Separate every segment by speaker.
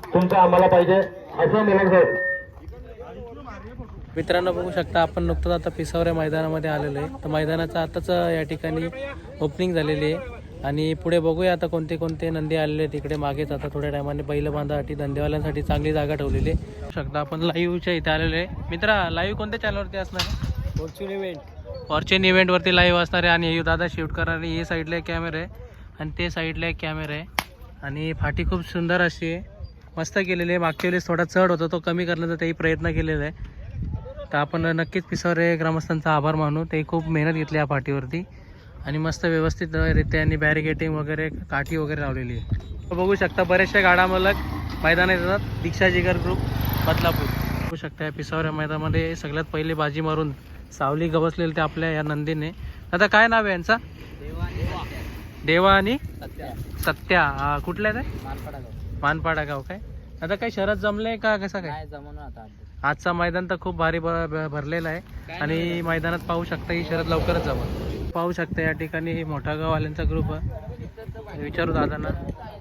Speaker 1: तुमचं आम्हाला पाहिजे असं मिलन साहेब.
Speaker 2: मित्रांनो बघू शकता आपण नुकतंच आता पिसावऱ्या मैदानामध्ये आलेलो आहे. तर मैदानाचं आताच या ठिकाणी ओपनिंग झालेली आहे आणि पुढे बघूया आता कोणते कोणते नंदी आलेले आहेत. तिकडे मागेच आता थोड्या टायमाने बैल बांधासाठी धंदेवाल्यांसाठी चांगली जागा ठेवलेली आहे. बघू शकता आपण लाईव्हच्या इथे आलेलो आहे. मित्रा लाईव्ह कोणत्या चॅनलवरती असणार आहे?
Speaker 3: Fortune event.
Speaker 2: फॉर्च्यून इव्हेंटवरती लाईव्ह असणार आहे आणि दादा शूट करणारे. हे साईडला एक कॅमेरा आहे आणि ते साईडला एक कॅमेरा आहे आणि फाटी खूप सुंदर अशी आहे, मस्त केलेली आहे. मागच्या वेळेस थोडा चढ होता तो कमी करण्याचा तेही प्रयत्न केलेला आहे. तर आपण नक्कीच पिसावरे ग्रामस्थांचा आभार मानू. ते खूप मेहनत घेतली या पाठीवरती आणि मस्त व्यवस्थितरित्या आणि बॅरिकेटिंग वगैरे काठी वगैरे लावलेली आहे. बघू शकता बरेचशा गाडा मालक मैदानात येतात. दीक्षा जिगर ग्रुप बदलापूर. बघू शकता या पिसावऱ्या मैदानामध्ये सगळ्यात पहिले बाजी मारून सावली गवसलेले ते आपल्या या नंदीने. आता काय नाव आहे यांचा? देवा आणि सत्या. कुठल्या आहे ते? मानपाडा गाव. काय आता काही शरद जमले का कसं काय? आजचा मैदान तर खूप भारी भरलेला आहे आणि मैदानात पाहू शकता ही शरद लवकरच जमल. पाहू शकता या ठिकाणी मोठा गाववाल्यांचा ग्रुप आहे. विचारू दादांना.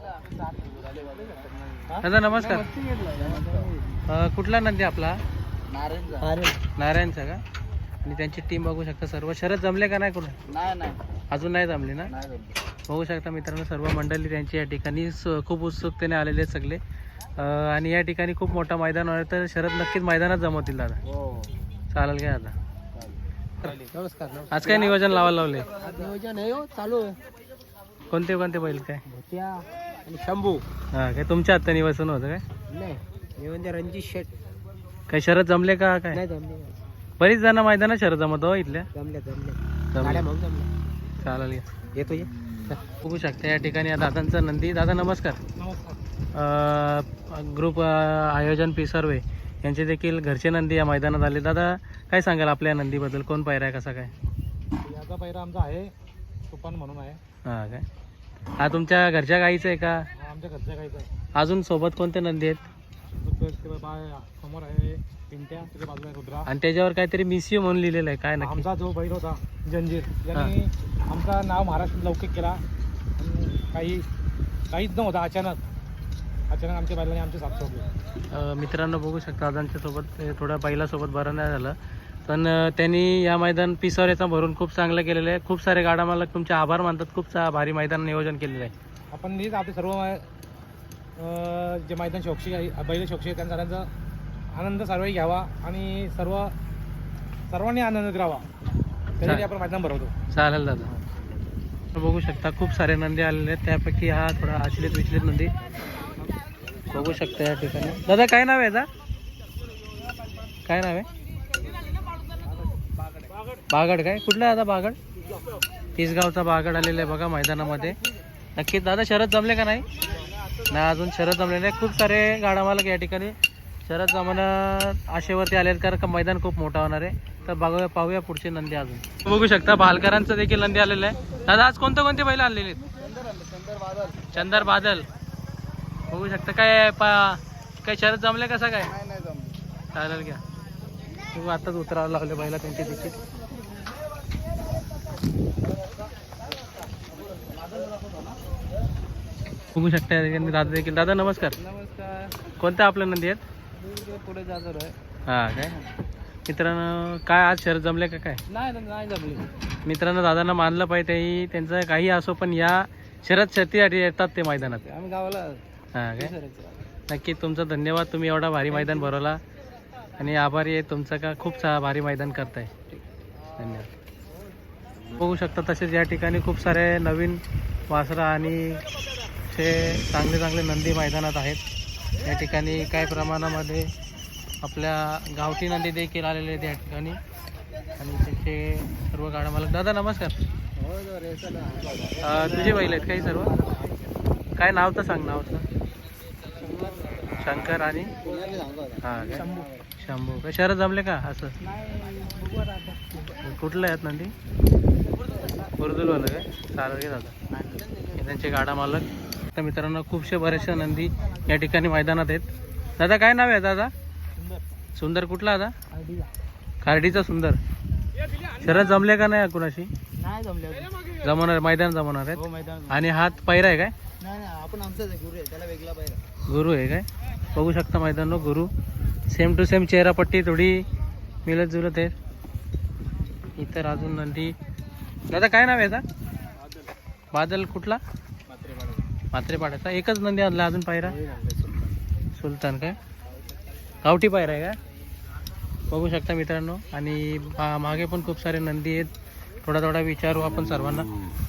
Speaker 2: दादा नमस्कार. कुठला नंदी आपला? नारायणचा का? आणि त्यांची टीम बघू शकता. सर्व शरद जमले का नाही? कुठं अजून नाही जमले ना? बघू शकता मित्रांनो सर्व मंडळी त्यांची या ठिकाणी खूप उत्सुकतेने आलेले आहेत सगळे. आणि या ठिकाणी खूप मोठा मैदान आहे तर शरद नक्कीच मैदानात जमवतील दादा. चालेल काय आता?
Speaker 3: नमस्कार.
Speaker 2: आज काय नियोजन लावायला लावले?
Speaker 3: नियोजन आहे चालू आहे.
Speaker 2: कोणते कोणते बैल काय?
Speaker 3: भोत्या आणि शंभू.
Speaker 2: हा काय तुमच्या हातात निवसन होतं काय?
Speaker 3: नाही नियोजन रणजित शेट.
Speaker 2: काही शरद जमले का काय?
Speaker 3: नाही जमले.
Speaker 2: बरीच जण मैदानात शरद जमत हो इथल्या.
Speaker 3: जमले
Speaker 2: जमले.
Speaker 3: मग जमले.
Speaker 2: चालेल या.
Speaker 3: येतो ये.
Speaker 2: बघू शकता या ठिकाणी या दादांचा नंदी. दादा नमस्कार. ग्रुप आयोजन पिसर्वे यांचे देखील घरचे नंदी या मैदानात आले. दादा काय सांगाल आपल्या नंदीबद्दल? कोण पायरा आहे कसा काय?
Speaker 3: याचा पहिरा आमचा आहे तुफान म्हणून आहे.
Speaker 2: हां काय हा तुमच्या घरच्या गाईचं आहे का?
Speaker 3: आमच्या घरच्या गाईचा आहे.
Speaker 2: अजून सोबत कोणते नंदी आहेत?
Speaker 3: समोर आहे पिंट्या, त्याच्या बाजूला रुद्रा
Speaker 2: आणि त्याच्यावर काहीतरी मिसिओ म्हणून लिहिलेलं आहे काय नक्की?
Speaker 3: आमचा जो बैल होता जंजीर यांनी आमचा नाव महाराष्ट्रात लौकिक केला. काहीच नव्हता. अचानक आमच्या बैलांनी आमचे साथ सोडले.
Speaker 2: मित्रांनो बघू शकता दादांच्या सोबत थोड्या बैलासोबत बरं नाही झालं पण त्यांनी या मैदान पिसावऱ्याचा भरून खूप चांगलं केलेलं आहे. खूप सारे गाडा मालक तुमचे आभार मानतात. खूप भारी मैदान नियोजन केलेलं आहे.
Speaker 3: आपण नीट आपले सर्व जे मैदान शौक्षी आहे बैल शौक्षी आहे त्यांचा सगळ्यांचा आनंद सर्वही घ्यावा आणि सर्वांनी आनंद करावा त्यासाठी आपण मैदान भरवतो.
Speaker 2: चालेल दादा. बघू शकता खूप सारे नंदी आलेले आहेत. त्यापैकी हा थोडा आचलित विचलित नंदी बघू शकता या ठिकाणी. दादा काय नाव आहे याचा? काय नाव आहे? बागड. काय कुठला दादा? बागड. तिसगावचा बागड आलेला आहे बघा मैदानामध्ये. नक्कीच दादा शरद जमले का नाही? नाही अजून शरद जमले नाही. खूप सारे गाडा मालक या ठिकाणी शरद जमणं आशेवरती आले आहेत कारण का मैदान खूप मोठा होणार आहे. तर बघूया पाहूया पुढचे नंदी. अजून बघू शकता भालकरांचं देखील नंदी आलेलं आहे. दादा आज कोणते कोणते बैल आणलेले आहेत? चंदर बादल. बघू शकता काय शरद जमले कसं काय? चालेल घ्या. तू आताच उतरावं लावले बैला त्यांची देखील. बघू शकता या ठिकाणी दादा देखील. दादा नमस्कार. कोणत्या आपल्या नंदी आहेत?
Speaker 3: पुढे जातो आहे.
Speaker 2: हां काय मित्रांनो काय आज शरद जमले का काय?
Speaker 3: नाही जमले.
Speaker 2: मित्रांनो दादांना मानलं पाहिजे. तेही त्यांचं काही असो पण या शरद शर्तीसाठी येतात ते मैदानात.
Speaker 3: आम्ही गावाला.
Speaker 2: हां काय नक्की तुमचं धन्यवाद. तुम्ही एवढा भारी मैदान भरवला आणि आभारी आहे तुमचं का खूप भारी मैदान करताय. धन्यवाद. बघू शकता तसेच या ठिकाणी खूप सारे नवीन वासरा आणि ते चांगले चांगले नंदी मैदानात आहेत. या ठिकाणी काही प्रमाणामध्ये आपल्या गावठी नंदी देखील आलेले आहेत या ठिकाणी आणि त्यांचे सर्व गाडा मालक. दादा नमस्कार. तुझे बैल आहेत काही सर्व? काय नाव तर सांग. नावचं? शंकर आणि हां काय शंभू. काय शरद जमले का असं? कुठलं आहेत नंदी? उर्दूलवालं काय? चालेल घे दादा. त्यांचे गाडा मालक. तर मित्रांनो खूपशे बरेचसे नंदी या ठिकाणी मैदानात आहेत. दादा काय नाव आहे दादा? सुंदर. कुठला दादा? खार्डीचा सुंदर. शरद जमले का नाही कुणाशी?
Speaker 3: नाही जमले.
Speaker 2: जमवणार मैदान जमवणार आहेत.
Speaker 3: मैदान.
Speaker 2: आणि हात पैरा आहे काय?
Speaker 3: नाही आपण आमचाच गुरु आहे. त्याला वेगळा पहिरा.
Speaker 2: गुरु आहे काय? बघू शकता मैदानो गुरु सेम टू सेम चेहरापट्टी थोडी मिळत जुलत आहे. इतर अजून नंदी. दादा काय नाव आहे याचा? बादल. कुठला? मात्रेपाड्याचा. एकच नंदी आणला अजून पायरा? सुलतान काय गावठी पायरा आहे का? बघू शकता मित्रांनो. आणि मागे पण खूप सारे नंदी आहेत. थोडा थोडा विचारू आपण सर्वांना.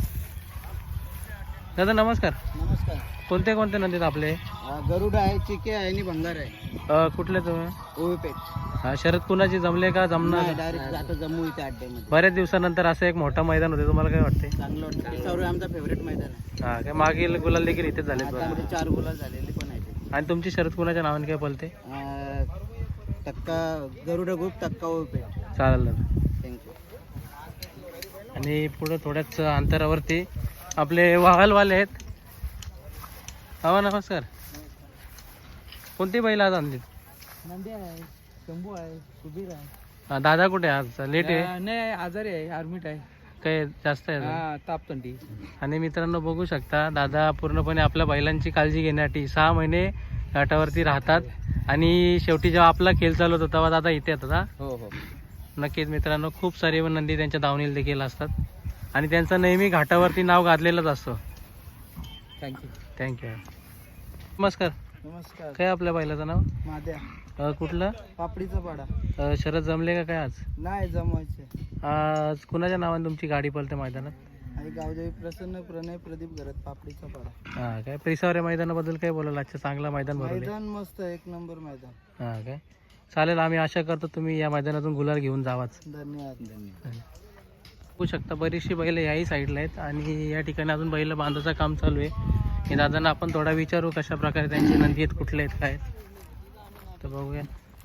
Speaker 2: दादा नमस्कार.
Speaker 3: नमस्कार.
Speaker 2: कोणते कोणते नंदी आहेत आपले?
Speaker 3: गरुड आहे, चिके आहे आणि भंगार आहे.
Speaker 2: कुठले तुम्ही?
Speaker 3: ओवीपेठ.
Speaker 2: शरद कुणाची जमले का जमणार?
Speaker 3: डायरेक्ट जातो जम्मू इथे अड्ड्यामध्ये.
Speaker 2: बऱ्याच दिवसानंतर असं एक मोठं मैदान होते. तुम्हाला काय वाटते?
Speaker 3: चांगलं वाटतं. सर्व आमचा फेवरेट मैदान आहे.
Speaker 2: हा काय मागील गुलाल देखील इथेच झाले
Speaker 3: आतामध्ये 4 गुलाल झालेले पण आहेत.
Speaker 2: आणि तुमची शरद कुणाच्या नावाने काय बोलते?
Speaker 3: टक्का गरुड ग्रुप, टक्का ओवीपेठ.
Speaker 2: चालेल दादा.
Speaker 3: थँक्यू.
Speaker 2: आणि पुढे थोड्याच अंतरावरती आपले वाहलवाले आहेत. हा नमस्कार. कोणती बैल आज आणली?
Speaker 3: नंदी आहे, शंभू आहे, सुबीर आहे.
Speaker 2: दादा कुठे आज? लेट आहे?
Speaker 3: नाही, आजारी आहे, आर्मीट आहे.
Speaker 2: काय जास्त आहे?
Speaker 3: तापतंडी.
Speaker 2: आणि मित्रांनो बघू शकता दादा पूर्णपणे आपल्या बैलांची काळजी घेण्यासाठी 6 महिने घाटावरती राहतात. आणि शेवटी जेव्हा आपला खेळ चालू होता तेव्हा दादा इथे येतात. हा
Speaker 3: हो हो.
Speaker 2: नक्कीच मित्रांनो. खूप सारे नंदी त्यांच्या दावणीला देखील असतात. आणि त्यांचं नेहमी घाटावरती नाव गाजलेलंच असतं.
Speaker 3: थँक्यू.
Speaker 2: थँक्यू. नमस्कार.
Speaker 3: नमस्कार.
Speaker 2: काय आपल्या बैलाचं नाव?
Speaker 3: माद्या.
Speaker 2: कुठलं?
Speaker 3: पापडीचा पाडा.
Speaker 2: शरद जमले का काय आज?
Speaker 3: नाही जमवायचे.
Speaker 2: आज कुणाच्या नावाने तुमची गाडी पळते मैदानात?
Speaker 3: आणि गावदेवी प्रसन्न प्रणय प्रदीप घरात पापडीचा पाडा.
Speaker 2: हा काय परिसर मैदानाबद्दल काय बोलाल? आजचं चांगलं मैदान भरवलं.
Speaker 3: मैदान मस्त, एक नंबर मैदान.
Speaker 2: हा काय चालेल. आम्ही आशा करतो तुम्ही या मैदानातून गुलाल घेऊन जावाच.
Speaker 3: धन्यवाद. धन्यवाद.
Speaker 2: बघू शकता बरीचशी बैल याही साईडला आहेत. आणि या ठिकाणी अजून बैल बांधायचं काम चालू आहे. हे दादांना आपण थोडा विचारू कशा प्रकारे त्यांची नंदी आहेत, कुठले आहेत, काय आहेत. तर बघूया.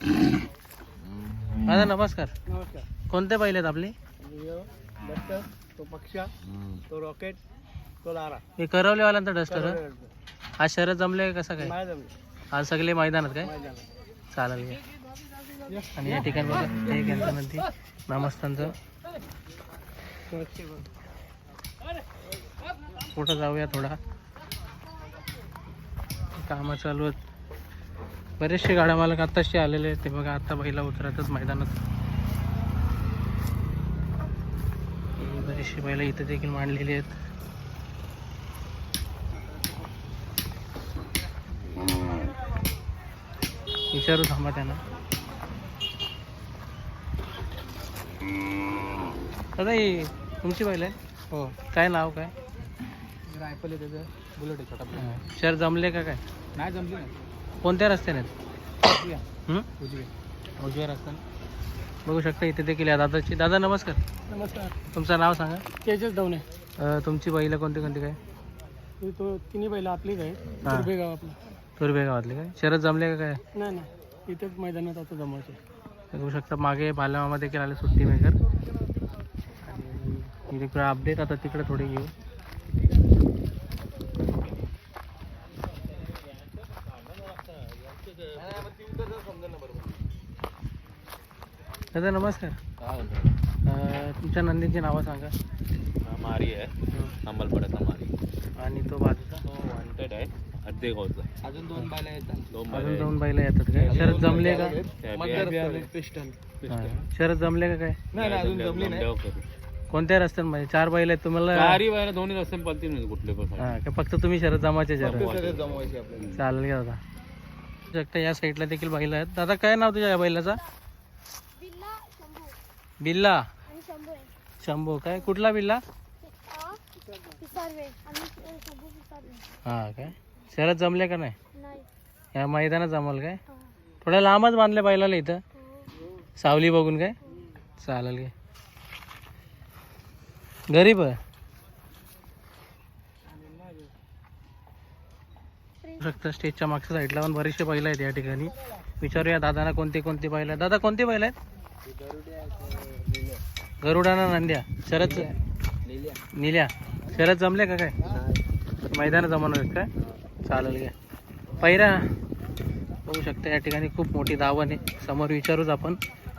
Speaker 2: दादा नमस्कार.
Speaker 3: नमस्कार.
Speaker 2: कोणते बैल आहेत आपले?
Speaker 3: डस्टर, तो पक्षा, तो रॉकेट, तो लारा.
Speaker 2: हे करवलेवाल्यांचा डस्टर. आज शरद जमले का कसं काय?
Speaker 3: नाही जमले.
Speaker 2: आज सगळे मैदानात काय?
Speaker 3: मैदान.
Speaker 2: चालेल घ्या. आणि या ठिकाणी बघा हे त्यांचं नंदी नामस्थानचं. पुढं जाऊया. थोडा कामं चालू आहेत. बरेचसे गाड्या मालक आत्ताशी आलेले आहेत. ते बघा आता बैला उतरतच मैदानात. बरीचशी बैला इथे देखील मांडलेली आहेत. विचारू थांबा त्यांना. दादा ही तुमची बैल आहे?
Speaker 3: हो.
Speaker 2: काय नाव काय?
Speaker 3: रायफल आहे त्याचं, बुलेट आहे छोटा.
Speaker 2: शहर जमले का काय?
Speaker 3: नाही जमली नाही.
Speaker 2: कोणत्या रस्त्याने आहेत?
Speaker 3: उजवी.
Speaker 2: उजव्या रस्त्याने. बघू शकता इथे देखील या दादाची. दादा नमस्कार.
Speaker 3: नमस्कार.
Speaker 2: तुमचं नाव सांगा.
Speaker 3: तेजस दवणे.
Speaker 2: तुमची बैल कोणती कोणती काय?
Speaker 3: तो तिन्ही बैल आपलीच आहे.
Speaker 2: हा.
Speaker 3: तुर्भेगाव आपलं.
Speaker 2: तुर्भे गावातले काय? शरद जमले का काय?
Speaker 3: नाही नाही, इथेच मैदानात आता जमवायचे.
Speaker 2: बघू शकता मागे बालमामा देखील आले सुट्टी मेकर. आणि इकडे अपडेट आता तिकडे थोडी घेऊ. दादा नमस्कार. तुमच्या नंदीची नावं सांगा.
Speaker 1: मारी आहे, अंमलपड्याचा मारी.
Speaker 2: आणि तो बाजूचा
Speaker 1: वॉन्टेड आहे, अर्धे गावचा.
Speaker 3: अजून 2 बैल येतात.
Speaker 2: अजून 2 बैल येतात काय? शरद जमले का?
Speaker 3: पिस्टन.
Speaker 2: हा. शरद जमले का काय?
Speaker 3: नाही अजून जमली नाही.
Speaker 2: कोणत्या रस्त्यांमध्ये? 4 बैल आहेत तुम्हाला?
Speaker 1: चारी बाहेर दोन्ही रस्ते पलतील नाही कुठले पण.
Speaker 2: हा का फक्त तुम्ही शरद जमाचे शरद?
Speaker 3: जमवायचे आपल्याला.
Speaker 2: चालेल का दादा. शकता या साईडला देखील बैल आहेत. दादा काय नाव तुझ्या या बैलाचा? बिल्ला. शंभू काय? कुठला बिल्ला? हा काय शरद जमले का नाही? या मैदानात जमल काय? थोड्या लांबच बांधले बैलाला इथं सावली बघून काय? चालेल काय? गरीब आहे. शकता स्टेजच्या मागच्या साईडला पण बरेचसे बैल आहेत या ठिकाणी. विचारूया दादांना कोणते कोणते बैल आहेत. दादा कोणते बैल आहेत? गरुडाना नंद्या. शरद निल्या. शरद जमले का काय? मैदान जमवणार आहेत काय? चालेल घ्या. पहिरा बघू शकता या ठिकाणी खूप मोठी दावण आहे. समोर विचारूच आपण.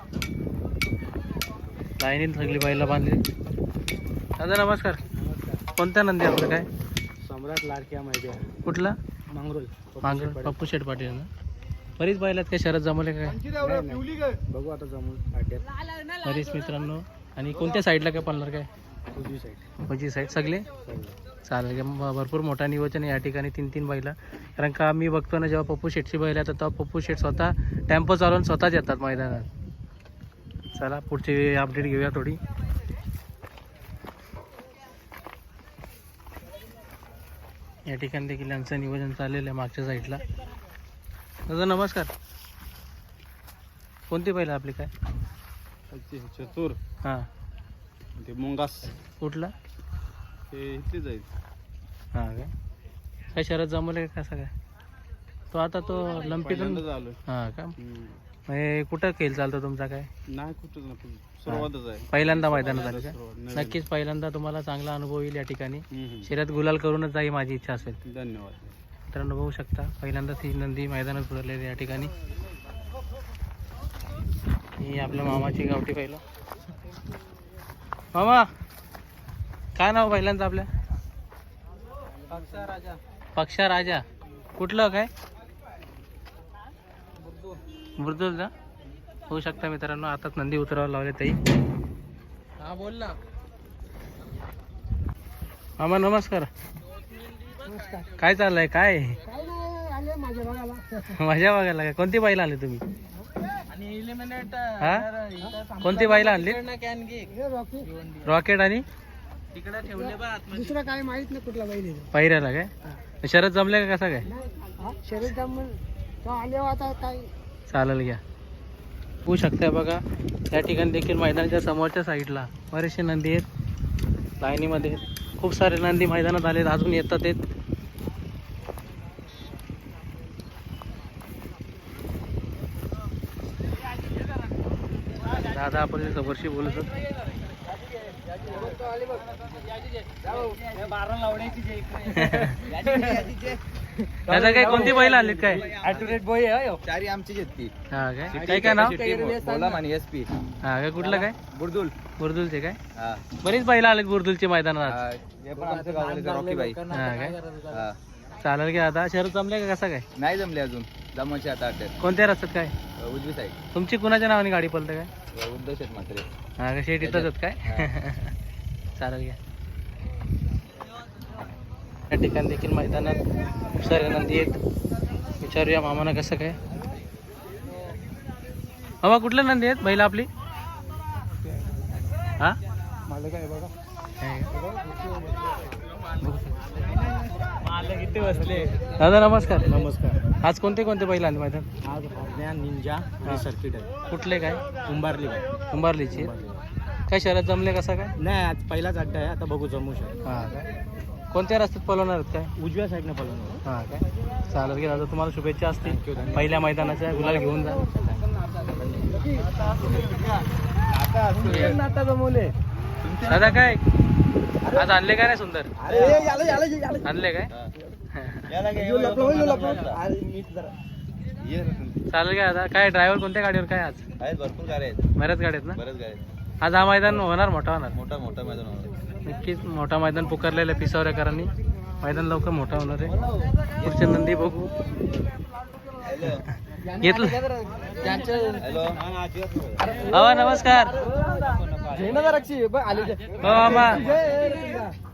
Speaker 2: लाईनीत सगळी बैला बांधली. दादा नमस्कार. कोणत्या नंदी आपलं काय?
Speaker 3: सम्राट लाडक्या मैद्या.
Speaker 2: कुठला?
Speaker 3: मांगरोल.
Speaker 2: मांगरोल. पप्पू शेठ पाटील ना. बरीच बैलात काय शरद जमवले काय
Speaker 3: बघू आता जमून
Speaker 2: बरीच मित्रांनो. आणि कोणत्या साईडला काय पळणार काय
Speaker 3: उजवी साईड
Speaker 2: उजवी साईड सगळे चालेल का? भरपूर मोठा नियोजन आहे या ठिकाणी 3-3 बैला. कारण का मी बघतो ना जेव्हा पप्पू शेटची बैल येतात तेव्हा पप्पू शेट स्वतः टेम्पो चालवून स्वतःच येतात मैदानात. चला पुढची अपडेट घेऊया थोडी. या ठिकाणी देखील यांचं नियोजन चाललेलं आहे मागच्या साईडला. दादा नमस्कार. कोणती बैल आपली काय
Speaker 1: चतुर
Speaker 2: हां
Speaker 1: ते मुंगास
Speaker 2: कुठला
Speaker 1: ते इथले जाईल.
Speaker 2: हां काय शरद जमवले का कसं काय तो आता तो लंपीतून
Speaker 1: झालं
Speaker 2: हां का म्हणजे कुठं खेळ चालतो तुमचा काय
Speaker 1: नाही कुठं नाही सुरुवातच आहे.
Speaker 2: पहिल्यांदा मैदानात आले का
Speaker 1: नवीन.
Speaker 2: नक्कीच पहिल्यांदा तुम्हाला चांगला अनुभव येईल या ठिकाणी.
Speaker 1: हम्म.
Speaker 2: शर्यत गुलाल करूनच जाई माझी इच्छा असेल.
Speaker 1: धन्यवाद.
Speaker 2: मित्रांनो बघू शकता पहिल्यांदा ती नंदी मैदानात उतरलेली या ठिकाणी. ही आपल्या मामाची गावठी पहिलं. मामा काय नाव पहिल्यांदा आपल्या पक्षा राजा कुठलं काय बुर्दुलचा होऊ शकता मित्रांनो. आताच नंदी उतरावं लावले ताई.
Speaker 3: हा बोल ना.
Speaker 2: मामा नमस्कार.
Speaker 3: नमस्कार.
Speaker 2: काय चाललंय काय
Speaker 3: काय नाही आले माझ्या बघायला.
Speaker 2: मजा बघायला काय कोणती बैल आणली तुम्ही
Speaker 3: आणि इलिमिनेट
Speaker 2: हा कोणती बैल आणली रॉकेट आणि
Speaker 3: तिकडे ठेवले बा दुसरं काय माहित नाही कुठला बैल
Speaker 2: पायऱ्याला काय शरद जमले का कसा काय
Speaker 3: शरीर तो आले आता काय
Speaker 2: चालेल घ्या. होऊ शकताय बघा या ठिकाणी देखील मैदानाच्या समोरच्या साईडला बरेचसे नंदी आहेत लाईनीमध्ये. खूप सारे नंदी मैदानात आलेत अजून येतात आहेत. दादा आपण समोरशी बोलत होतो. दादा काय कोणती बैल आलीत काय
Speaker 3: चारी आमची घेतली.
Speaker 2: हा काय काय नाव
Speaker 3: बोला मानी एसपी.
Speaker 2: हा काय कुठलं काय
Speaker 3: बुर्दुल.
Speaker 2: बुर्दुलचे काय बरीच बैल आलेत बुर्दुलचे मैदानात.
Speaker 3: हे पण आमच्या गावाला रॉकी बाई.
Speaker 2: हा काय चालेल की आता शहर जमले का कसं काय
Speaker 3: नाही जमले अजून जमायचे आता अड्ड्यात
Speaker 2: कोणत्या रस्त्यात काय
Speaker 3: उजवी साईड.
Speaker 2: तुमची कुणाच्या नावाने गाडी पळते काय
Speaker 3: उद्धव शेठ म्हात्रे.
Speaker 2: हा का शेट इथंच आहेत काय चालेल घ्या. या ठिकाणी देखील मैदानात खूप सारे नंदी आहेत. विचारूया मामाना कसं काय. मामा कुठले नंदी आहेत बैल आपली हा
Speaker 3: मला काय बघा
Speaker 2: दादा नमस्कार.
Speaker 3: नमस्कार.
Speaker 2: आज कोणते कोणते बैल आणले मैदान
Speaker 3: आज अज्ञान निंजा
Speaker 2: हा.
Speaker 3: सर्किट आहे.
Speaker 2: कुठले काय
Speaker 3: कुंभारली
Speaker 2: कुंभारलीची काय शहरात जमले कसं काय
Speaker 3: नाही आज पहिलाच अड्डा आहे आता बघू जमू शकतो.
Speaker 2: हा काय कोणत्या रस्त्यात पळवणार आहेत काय
Speaker 3: उजव्या साईडने पळवणार.
Speaker 2: हा काय चालेल की दादा तुम्हाला शुभेच्छा असतील पहिल्या मैदानाच्या गुलाल घेऊन जा.
Speaker 3: आता जमवले.
Speaker 2: दादा काय आज आणले काय नाही सुंदर आणले काय चालेल काय दादा काय ड्रायव्हर कोणत्या गाडीवर काय आज
Speaker 3: आहेत भरपूर गाड्या आहेत.
Speaker 2: बऱ्याच गाड्या आहेत ना
Speaker 3: बरेच गाड्या आहेत.
Speaker 2: आज हा मैदान होणार मोठा होणार
Speaker 3: मोठा मोठा मैदान होणार.
Speaker 2: नक्कीच मोठा मैदान पुकारलेलं आहे पिसावऱ्याकरांनी. मैदान लवकर मोठा होणार आहे. पुढचे नंदी बघू घेतलं.
Speaker 3: हॅलो
Speaker 2: हो नमस्कार
Speaker 3: जयनगरची
Speaker 2: हो मामा